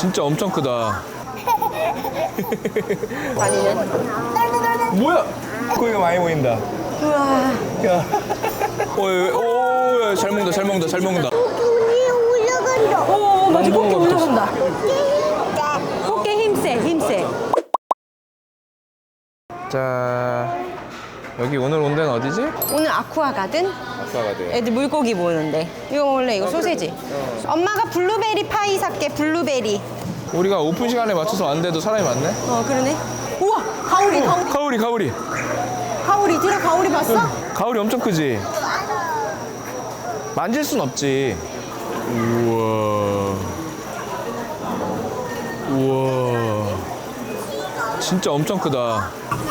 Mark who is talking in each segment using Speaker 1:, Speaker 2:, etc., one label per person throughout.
Speaker 1: 진짜 엄청 크다.
Speaker 2: 다니는?
Speaker 1: 뭐야? 고기가 많이 보인다.
Speaker 2: 우와.
Speaker 1: 야. 오, 잘 먹는다, 잘 먹는다, 잘 먹는다.
Speaker 3: 우리 올라간다.
Speaker 2: 오, 맞아.
Speaker 1: 너무
Speaker 2: 꽃게
Speaker 1: 무거워.
Speaker 2: 올라간다. 꽃게 힘세, 힘세.
Speaker 1: 자, 여기 오늘 온 데는 어디지?
Speaker 2: 오늘 아쿠아 가든?
Speaker 1: 아까가 돼.
Speaker 2: 애들 물고기 보는데. 이거 원래 이거 소세지. 엄마가 블루베리 파이 살게, 블루베리.
Speaker 1: 우리가 오픈 시간에 맞춰서 왔는데도 사람이 많네.
Speaker 2: 그러네. 우와, 가오리, 가오리.
Speaker 1: 가오리, 가오리.
Speaker 2: 가오리, 들어 가오리 봤어?
Speaker 1: 가오리 엄청 크지? 만질 순 없지. 우와. 우와. 진짜 엄청 크다.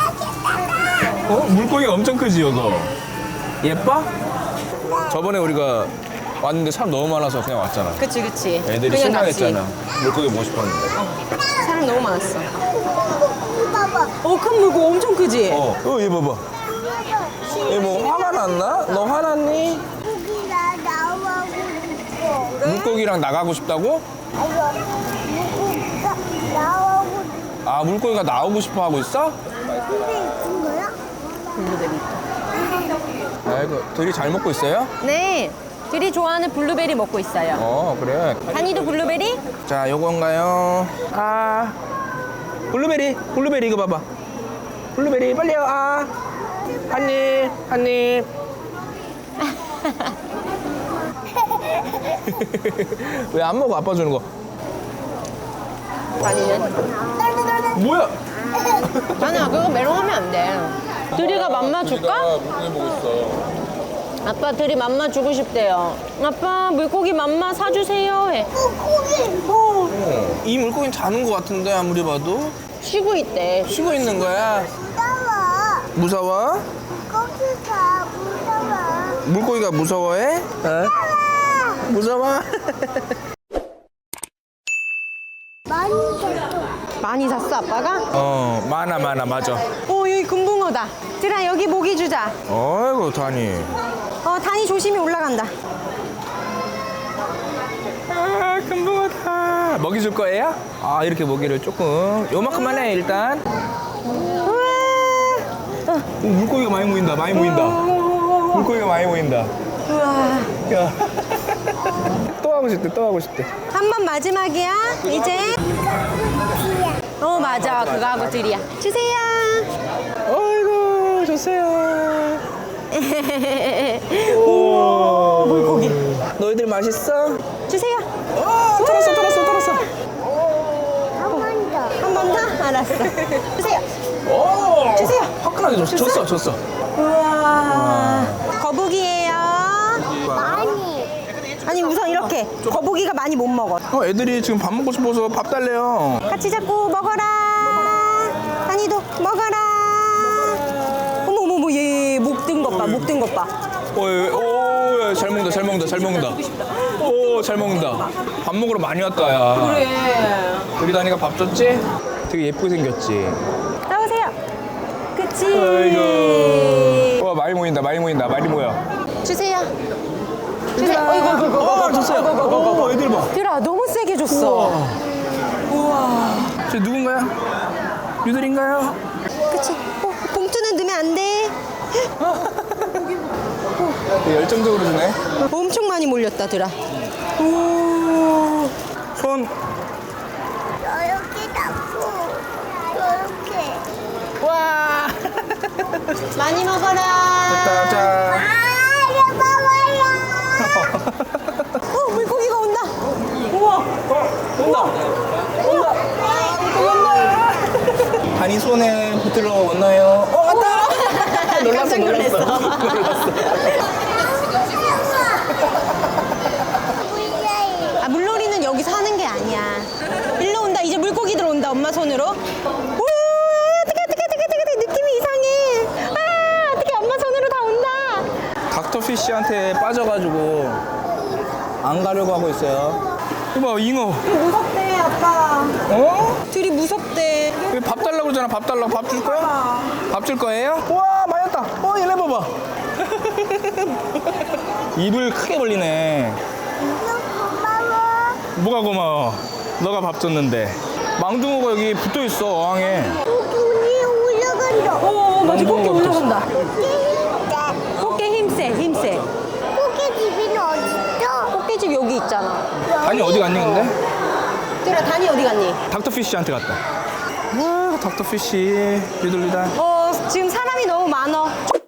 Speaker 1: 물고기가 엄청 크지, 이거? 예뻐? 저번에 우리가 왔는데 사람 너무 많아서 그냥 왔잖아.
Speaker 2: 그치, 그치.
Speaker 1: 애들이
Speaker 2: 그냥
Speaker 1: 실망했잖아.
Speaker 2: 낚시.
Speaker 1: 물고기 보고 싶었는데.
Speaker 2: 사람 너무 많았어.
Speaker 3: 봐봐.
Speaker 2: 큰 물고기 엄청 크지?
Speaker 1: 얘 봐봐. 얘 뭐 화가 났나? 너 화났니?
Speaker 3: 고기가 나오고 싶어.
Speaker 1: 물고기랑 나가고 싶다고?
Speaker 3: 아이고, 고기가 나오고
Speaker 1: 아, 물고기가 나오고 싶어 하고 있어?
Speaker 3: 근데 있는 거야?
Speaker 1: 아이고, 둘이 잘 먹고 있어요?
Speaker 2: 네. 둘이 좋아하는 블루베리 먹고 있어요.
Speaker 1: 그래.
Speaker 2: 다니도 블루베리?
Speaker 1: 자, 요건가요? 아, 블루베리, 블루베리 이거 봐봐. 블루베리 빨리요. 아, 한 입, 한 입. 왜 안 먹어? 아빠 주는 거.
Speaker 2: 다니는?
Speaker 1: 뭐야?
Speaker 2: 아니야, 그거 메롱하면 안 돼. 둘이가 맘마 줄까?
Speaker 1: 물고기 보고 있어.
Speaker 2: 아빠 둘이 맘마 주고 싶대요. 아빠 물고기 맘마 사주세요 해.
Speaker 3: 고기
Speaker 1: 이 물고기는 자는 거 같은데 아무리 봐도
Speaker 2: 쉬고 있대.
Speaker 1: 쉬고 있는 거야.
Speaker 3: 무서워.
Speaker 1: 무서워?
Speaker 3: 고기가 무서워.
Speaker 1: 물고기가 무서워해? 무서워?
Speaker 3: 많이 줬어.
Speaker 2: 많이 샀어 아빠가?
Speaker 1: 많아 맞아.
Speaker 2: 여기 금붕어다. 들아 여기 모기 주자.
Speaker 1: 어이구 다니.
Speaker 2: 다니 조심히 올라간다.
Speaker 1: 아 금붕어다. 먹이 줄 거예요? 아 이렇게 먹이를 조금 요만큼만 해 일단. 오, 물고기가 많이 보인다. 많이 보인다. 물고기가 많이 보인다.
Speaker 2: 우와.
Speaker 1: 야. 또 하고 싶대. 또 하고 싶대.
Speaker 2: 한 번 마지막이야. 이제. 맞아. 그거 하고 둘이야. 주세요.
Speaker 1: 어이구 좋세요.
Speaker 2: 오, 물고기.
Speaker 1: 너희들 맛있어?
Speaker 2: 주세요.
Speaker 1: 털었어.
Speaker 3: 한 번 더.
Speaker 2: 한 번 더? 알았어. 주세요.
Speaker 1: 오.
Speaker 2: 주세요.
Speaker 1: 화끈하게 줬어.
Speaker 2: 우와. 거북이에요.
Speaker 3: 많이.
Speaker 2: 아니 우선 이렇게 거북이가 많이 못 먹어.
Speaker 1: 애들이 지금 밥 먹고 싶어서 밥 달래요.
Speaker 2: 같이 잡고 먹어라. 다니도 먹어라. 어머 얘 목 든 것 봐. 목 든 것 봐.
Speaker 1: 오, 잘 먹는다. 오, 잘 먹는다. 밥 먹으러 많이 왔다, 야.
Speaker 2: 그래.
Speaker 1: 우리 다니가 밥 줬지? 되게 예쁘게 생겼지?
Speaker 2: 나오세요. 그치.
Speaker 1: 아이고. 와, 많이 모인다. 많이 모여.
Speaker 2: 주세요. 어이구.
Speaker 1: 줬어요. 애들 봐.
Speaker 2: 들아 너무 세게 줬어. 우와.
Speaker 1: 저 누군가요? 유들인가요?
Speaker 2: 그치. 봉투는 넣으면 안 돼.
Speaker 1: 되게 열정적으로 주네.
Speaker 2: 엄청 많이 몰렸다, 들아. 오.
Speaker 1: 손.
Speaker 3: 이렇게 잡고. 이렇게.
Speaker 1: 와.
Speaker 2: 많이 먹어라.
Speaker 1: 됐다, 자.
Speaker 2: 물고기가 온다. 우와.
Speaker 1: 온다. 다니 손에 붙들러 왔나요? 왔다. 놀랐어.
Speaker 2: 물놀이는 여기서 하는 게 아니야. 일로 온다. 이제 물고기들 온다. 엄마 손으로. 우와, 어떡해. 느낌이 이상해. 어떡해. 엄마 손으로 다 온다.
Speaker 1: 닥터피쉬한테 빠져가지고 안 가려고 하고 있어요. 이봐, 잉어.
Speaker 2: 무섭대, 아빠. 둘이 무섭대.
Speaker 1: 왜 밥 달라고 그러잖아. 밥 달라고. 밥 줄 거야? 밥 줄 거예요? 우와, 많이 왔다. 얘네 봐봐. 입을 크게 벌리네.
Speaker 3: 고마워.
Speaker 1: 뭐가 고마워? 너가 밥 줬는데. 망둥어가 여기 붙어 있어 어항에.
Speaker 3: 눈이 올라간다.
Speaker 2: 맞아. 꽃게
Speaker 1: 엉덩이가
Speaker 2: 올라간다.
Speaker 3: 힘들다.
Speaker 2: 꽃게 힘세.
Speaker 3: 꽃게 집이는 어딨어?
Speaker 2: 꽃게집 여기 있잖아.
Speaker 1: 단이 어디 갔니 근데?
Speaker 2: 뚜라 단이 어디 갔니?
Speaker 1: 닥터피쉬한테 갔다. 아 닥터피쉬 비둘리다.
Speaker 2: 지금 사람이 너무 많어.